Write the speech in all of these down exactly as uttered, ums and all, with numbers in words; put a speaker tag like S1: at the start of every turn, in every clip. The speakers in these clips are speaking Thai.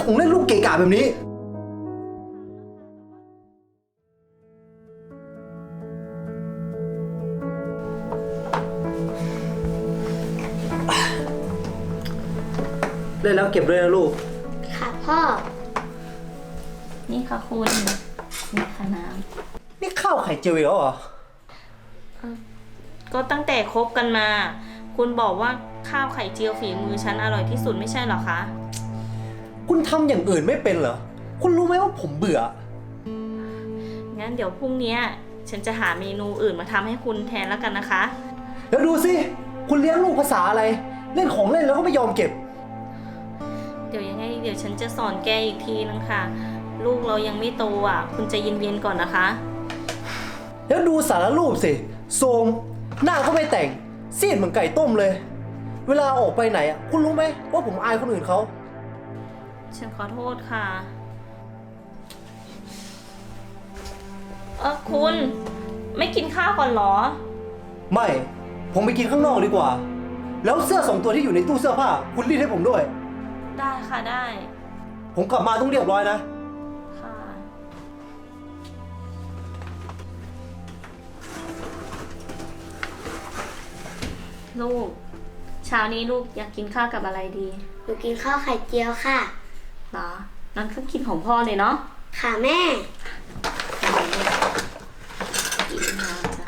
S1: ของเล่นลูกเกะกะแบบนี้เล่นแล้วเก็บด้วยนะลูก
S2: ค่ะพ่อ
S3: นี่ค่ะคุณนี่ค่ะน้
S1: ำนี่ข้าวไข่เจียวอีกแล้วเหรอ
S3: ก็ตั้งแต่คบกันมา คุณบอกว่าข้าวไข่เจียวฝีมือฉันอร่อยที่สุดไม่ใช่เหรอคะ
S1: คุณทำอย่างอื่นไม่เป็นเหรอคุณรู้ไหมว่าผมเบื่อ
S3: งั้นเดี๋ยวพรุ่งนี้ฉันจะหาเมนูอื่นมาทำให้คุณแทนแล้วกันนะคะ
S1: แล้วดูสิคุณเลี้ยงลูกภาษาอะไรเล่นของเล่นแล้วก็ไม่ยอมเก็บ
S3: เดี๋ยวยังไงเดี๋ยวฉันจะสอนแกอีกทีนึงค่ะลูกเรายังไม่โตอ่ะคุณใจเย็นๆก่อนนะคะ
S1: แล้วดูสารรูปสิโทรมหน้าก็ไม่แต่งซีดเหมือนไก่ต้มเลยเวลาออกไปไหนอ่ะคุณรู้ไหมว่าผมอายคนอื่นเขา
S3: ฉันขอโทษค่ะเออคุณไม่กินข้าวก่อนเหรอ
S1: ไม่ผมไปกินข้างนอกดีกว่าแล้วเสื้อสองตัวที่อยู่ในตู้เสื้อผ้าคุณรีดให้ผมด้วย
S3: ได้ค่ะได้
S1: ผมกลับมาต้องเรียบร้อยนะ
S3: ค่ะลูกเช้านี้ลูกอยากกินข้าวกับอะไรดี
S2: หนูกินข้าวไข่เจียวค่ะ
S3: เหรอนั่นก็กินของพ่อเลยเนาะ
S2: ค่ะแม่
S3: กินมาจ้ะ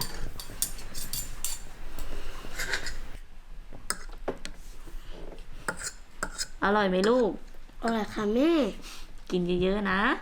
S3: อร่อยไหมลูก
S2: อร่อยค่ะแม่
S3: กินเยอะๆนะ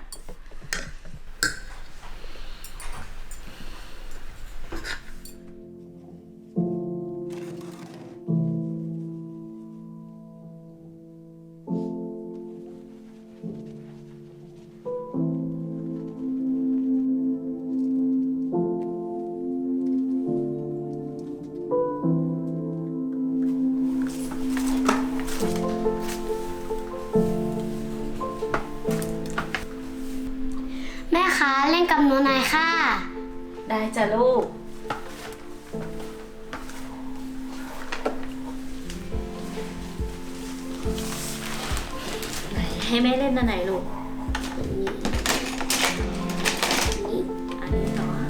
S2: แม่คะเล่นกับหนูหน่อยค่ะ
S3: ได้จ้ะลูกให้แม่เล่นอันไหนลูกนี่อันนี้เหรอ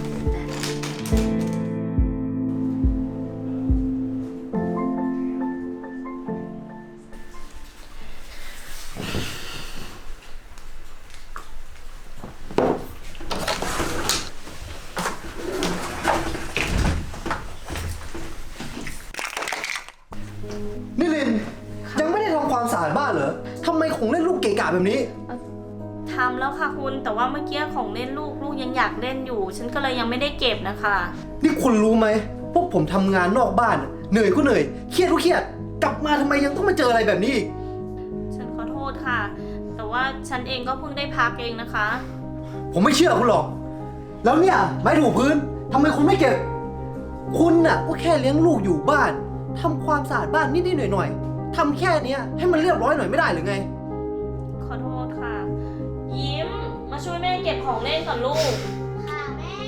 S1: นิลินยังไม่ได้ทำความสะอาดบ้านเหรอทำไมของเล่นลูกเกะกะแบบนี้
S3: ทำแล้วค่ะคุณแต่ว่าเมื่อกี้ของเล่นลูกลูกยังอยากเล่นอยู่ฉันก็เลยยังไม่ได้เก็บนะคะ
S1: นี่คุณรู้ไหมพวกผมทำงานนอกบ้านเหนื่อยก็เหนื่อยเครียดก็เครียดกลับมาทำไมยังต้องมาเจออะไรแบบนี้อีก
S3: ฉันขอโทษค่ะแต่ว่าฉันเองก็เพิ่งได้พักเองนะคะ
S1: ผมไม่เชื่อคุณหรอกแล้วเนี่ยไม้ถูพื้นทำไมคุณไม่เก็บคุณน่ะก็แค่เลี้ยงลูกอยู่บ้านทำความสะอาดบ้านนิดๆหน่อยๆทำแค่นี้ให้มันเรียบร้อยหน่อยไม่ได้หรือไง
S3: ขอโทษค่ะยิ้มมาช่วยแม่เก็บของเล่นก่อนลูก
S2: ค่ะแม่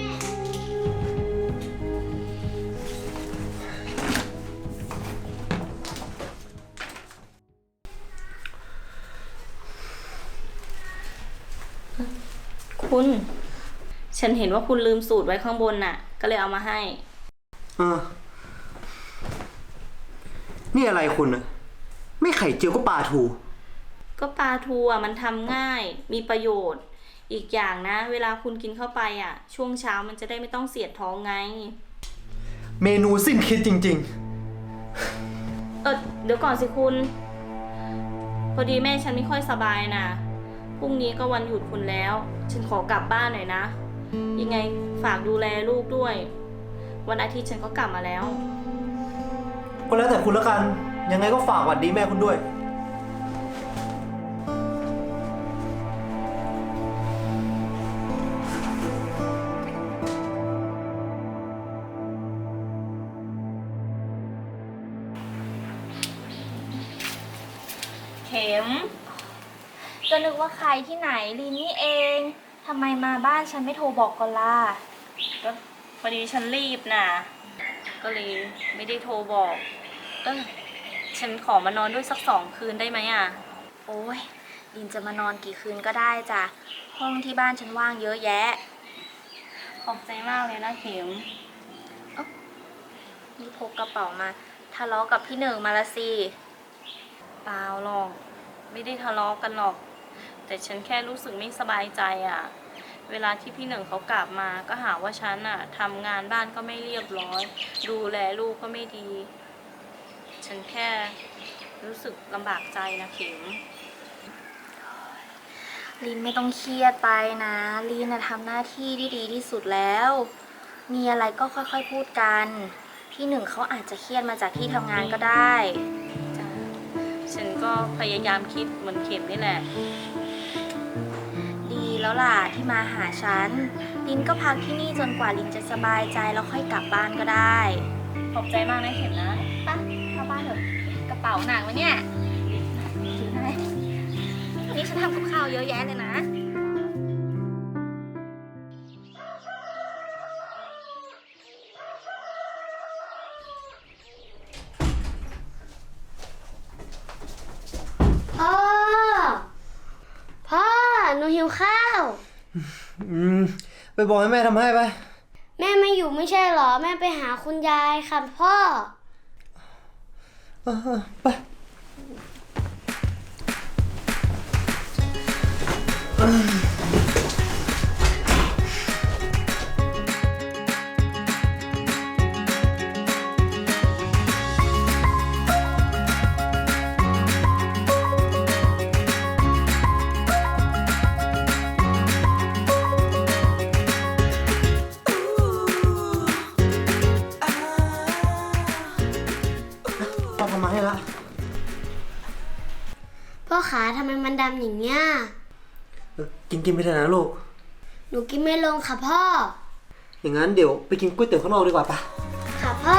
S3: คุณฉันเห็นว่าคุณลืมสูตรไว้ข้างบนน่ะก็เลยเอามาให้
S1: อ่านี่อะไรคุณอะไม่ไข่เจียวก็ปลาทู
S3: ก็ปลาทูอ่ะมันทำง่ายมีประโยชน์อีกอย่างนะเวลาคุณกินเข้าไปอ่ะช่วงเช้ามันจะได้ไม่ต้องเสียดท้องไง
S1: เมนูสิ้นคิดจริง
S3: ๆเออเดี๋ยวก่อนสิคุณพอดีแม่ฉันไม่ค่อยสบายนะพรุ่งนี้ก็วันหยุดคุณแล้วฉันขอกลับบ้านหน่อยนะยังไงฝากดูแลลูกด้วยวันอาทิตย์ฉันก็กลับมาแล้ว
S1: ก็แล้วแต่คุณละกันยังไงก็ฝากหวัดดีแม่คุณด้วย
S3: เข็มก็นึกว่าใครที่ไหนลีนี่เองทำไมมาบ้านฉันไม่โทรบอกก่อนล่ะก็พอดีฉันรีบน่ะก็เลยไม่ได้โทรบอกเออฉันขอมานอนด้วยสักสองคืนได้ไหมอ่ะโอ้ย
S4: ลินจะมานอนกี่คืนก็ได้จ้ะ ห้องที่บ้านฉันว่างเยอะแยะ
S3: ขอบใจมากเลยนะเข็ม
S4: นี่พกกระเป๋ามาทะเลาะกับพี่หนึ่งมาละสิ
S3: เปล่าหรอก ไม่ได้ทะเลาะกันหรอก แต่ฉันแค่รู้สึกไม่สบายใจอะ่ะ เวลาที่พี่หนึ่งเขากลับมาก็หาว่าฉันอะ่ะทำงานบ้านก็ไม่เรียบร้อย ดูแลลูกก็ไม่ดี ฉันแค่รู้สึกลำบากใจนะเข็ม
S4: ลินไม่ต้องเครียดไปนะลินนะทำหน้าที่ที่ดีที่สุดแล้ว มีอะไรก็ค่อยๆพูดกัน พี่หนึ่งเขาอาจจะเครียดมาจากที่ทำงานก็ได้
S3: จ้ะฉันก็พยายามคิดเหมือนเข็มนี่แหละ
S4: ดีแล้วล่ะที่มาหาฉัน ลินก็พักที่นี่จนกว่าลินจะสบายใจแล้วค่อยกลับบ้านก็ได้
S3: ขอบใจมากนะเข็มนะ
S4: ไปเข้าบ้านเถอะกระเป๋าหนักวะเนี่ยถือให้วันนี้ฉันทำกับข้าวเยอะแยะเลยนะ
S2: พ่อ พ่อ หนูหิวข้าว
S1: อืม ไปบอกให้แม่ทำให้ไป
S2: แม่ไม่อยู่ไม่ใช่เหรอ แม่ไปหาคุณยายค่ะพ่อ
S1: เออไป พ่อทำมาให้ละ
S2: พ่อขาทำไมมันดำอย่างเงี้ย
S1: เออกินกินไปเถอะนะลูก
S2: หนูกินไม่ลงค่ะพ่อ
S1: อย่างนั้นเดี๋ยวไปกินก๋วยเตี๋ยวข้างนอกดีกว่าปะ
S2: ค่ะพ่อ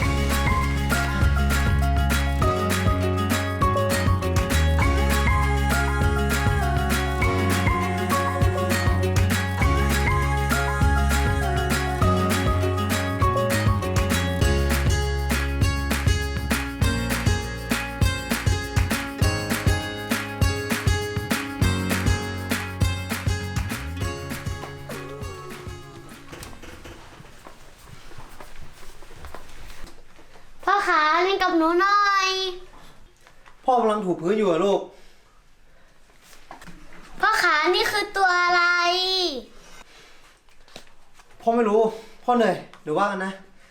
S2: พ่อขาเล่นกับหนูหน่อย
S1: พ่อกำลังถูพื้นอยู่อะลูก
S2: พ่อขานี่คือตัวอะไร
S1: พ่อไม่รู้ พ่อเหนื่อยเดี๋ยวว่ากันนะ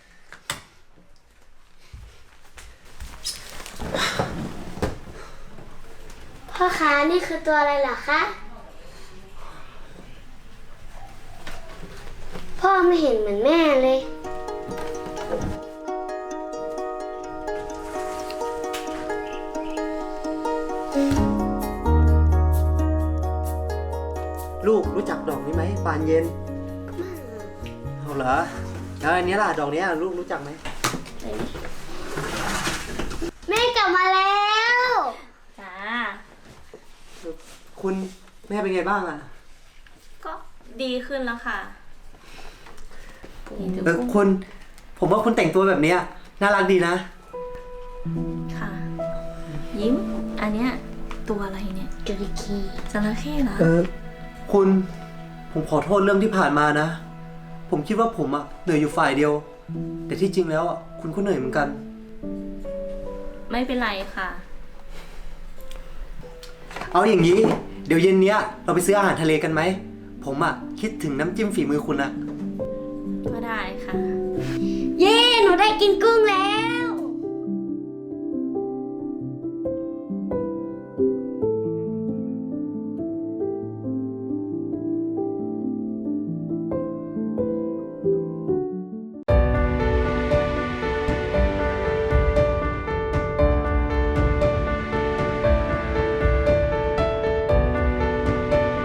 S2: พ่อขานี่คือตัวอะไรเหรอคะ พ่อไม่เห็นเหมือนแม่เลย
S1: ลูกรู้จักดอกนี้ไหมบานเย็น เอาเหรอแล้วอันนี้ล่ะ ดอกนี้ลูกรู้จักไหม
S2: แม่กลับมาแล้ว
S3: จ้า
S1: คุณแม่เป็นไงบ้างอะ
S3: ก็ดีขึ้นแล้วค่ะ
S1: เออคุณ ผมว่าคุณแต่งตัวแบบเนี้ยน่ารักดีนะ
S3: ค่ะ ยิ้ม อันเนี้ยตัวอะไรเนี่ย
S2: จระเข้
S3: จระเข้เหรอ
S1: เออ คุณ ผมขอโทษเรื่องที่ผ่านมานะ ผมคิดว่าผมอะเหนื่อยอยู่ฝ่ายเดียว แต่ที่จริงแล้วอะคุณก็เหนื่อยเหมือนกัน
S3: ไม่เป็นไรค่ะ
S1: เอาอย่างนี้ เดี๋ยวเย็นเนี้ยเราไปซื้ออาหารทะเลกันไหม ผมอะคิดถึงน้ำจิ้มฝีมือคุณอะ
S3: ก็ได้ค่ะ
S2: เย้ หนูได้กินกุ้งแล้ว